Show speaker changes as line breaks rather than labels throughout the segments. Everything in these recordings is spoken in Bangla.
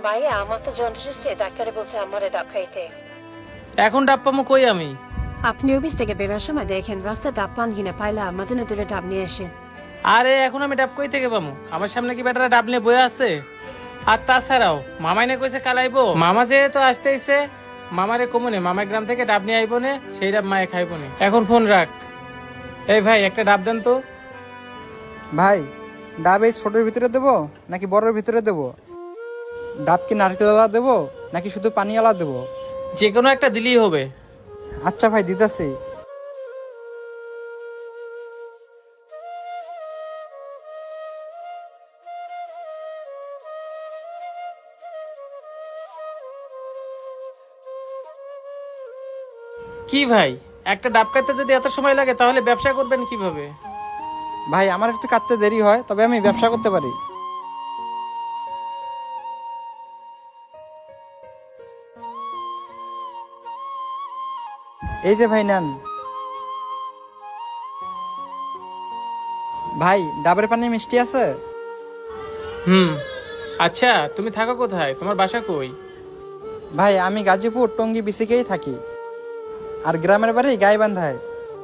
ভাইয়া আমার তো জন্ডিস এসেছে, ডাক্তারে বলছে আমারে ডাব খাইতে।
এখন ডাব পামো কই আমি?
আপনি অফিস থেকে বেরোর সময় দেখেন রাস্তায় ডাব পান কিনা, পাইলে আমার জন্য তুলে ডাব নিয়ে আসেন।
আরে এখন আমি ডাব কই থেকে পামু? আমার সামনে কি বেটারা ডাব নিয়ে বয়ে আছে? আর তাছাড়াও মামাই না কইছে কাল আইবো, মামা যেহেতু আসতেইছে মামারে কমনে মামাই গ্রাম থেকে ডাব নিয়ে আইবো নে, সেই ডাব মায়ে খাইবো নে। এখন ফোন রাখ। এই ভাই একটা ডাব দেন তো।
ভাই ডাব এই ছোটোর ভিতরে দেবো নাকি বড়ের ভিতরে দেবো? ডাব কি নারকেলওয়ালা দেবো নাকি শুধু পানিওয়ালা দেবো?
যে কোনো একটা দিলেই হবে।
আচ্ছা ভাই, দিতেছি।
কি ভাই, একটা ডাব কাটতে যদি এত সময় লাগে তাহলে ব্যবসা করবেন কিভাবে?
ভাই আমার একটু কাটতে দেরি হয়, তবে আমি ব্যবসা করতে পারি। এই যে ভাই নেন। ভাই ডাবের পানি মিষ্টি আছে?
আচ্ছা তুমি থাকো কোথায়, তোমার বাসা কই?
ভাই আমি গাজীপুর টঙ্গী বিসিকেই থাকি, আর গ্রামের বাড়ি গাইবান্ধায়।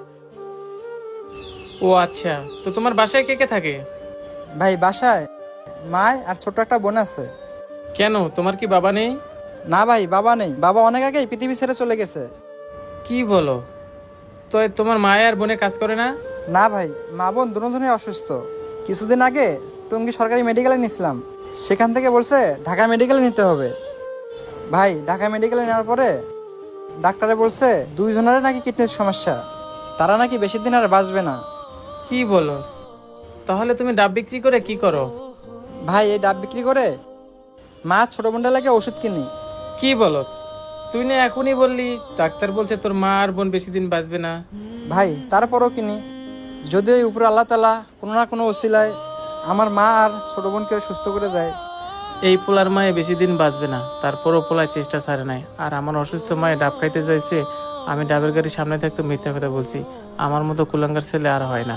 ও আচ্ছা, তো তোমার বাসায় কে কে থাকে?
ভাই বাসায় মায় আর ছোট একটা বোন আছে।
কেন, তোমার কি বাবা নেই?
না ভাই, বাবা নেই, বাবা অনেক আগেই পৃথিবী ছেড়ে চলে গেছে।
কি বলো, তো তোমার মায়ের আর বোনে কাজ করে না?
না ভাই, মা বোন দুজনেই অসুস্থ। কিছুদিন আগে টঙ্গী সরকারি মেডিকেলে নিয়েছিলাম, সেখান থেকে বলছে ঢাকা মেডিকেলে নিতে হবে। ভাই ঢাকা মেডিকেলে নেওয়ার পরে ডাক্তারে বলছে দুইজনের নাকি কিডনির সমস্যা, তারা নাকি বেশি দিন আর বাঁচবে না।
কি বলো, তাহলে তুমি ডাব বিক্রি করে কি করো?
ভাই এই ডাব বিক্রি করে মা ছোট বোনটা লাগে ওষুধ কিনি।
কি বলো, তুই না এখনই বললি ডাক্তার বলছে তোর মা আর বোন বেশি দিন বাঁচবে না।
ভাই তারপরও কিনি, যদি ওই উপরে আল্লাহ তাআলা কোনো না কোনো ওসিলায় আমার মা আর ছোট বোনকে সুস্থ করে দেয়।
এই পোলার মায়ে বেশি দিন বাঁচবে না, তারপরও পোলায় চেষ্টা ছাড়ে নাই। আর আমার অসুস্থ মায়ে ডাব খাইতে চাইছে, আমি ডাবের গাড়ির সামনে থাকতে মিথ্যা কথা বলছি। আমার মতো কুলাঙ্গার ছেলে আর হয় না।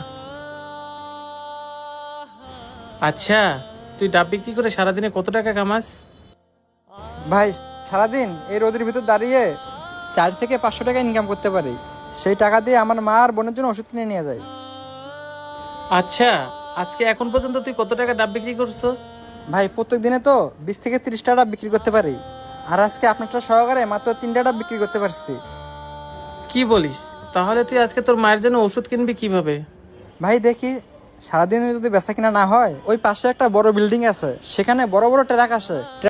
আচ্ছা, তুই ডাব বিক্রি করে সারাদিনে কত টাকা কামাস?
ভাই সারাদিন এই রোদের ভিতর দাঁড়িয়ে 4 থেকে 500 টাকা ইনকাম করতে পারি। সেই টাকা দিয়ে আমার মা আর বোনের জন্য ওষুধ কিনে নিয়ে যায়।
আচ্ছা, আজকে এখন পর্যন্ত তুই কত টাকা ডাব বিক্রি করছস?
ভাই প্রত্যেক দিনে তো 20 থেকে 30 টাকা ডাব বিক্রি করতে পারি, আর আজকে আপনারটা সহকারে মাত্র 3টা ডাব বিক্রি করতে পারছি।
কি বলিস, তাহলে তুই আজকে তোর মায়ের জন্য ওষুধ কিনবি কিভাবে?
ভাই দেখি সারাদিন যদি বেচা কিনা না হয়, ওই পাশে একটা বড় বিল্ডিং আছে, সেখানে বড় বড় ট্রাক আসে।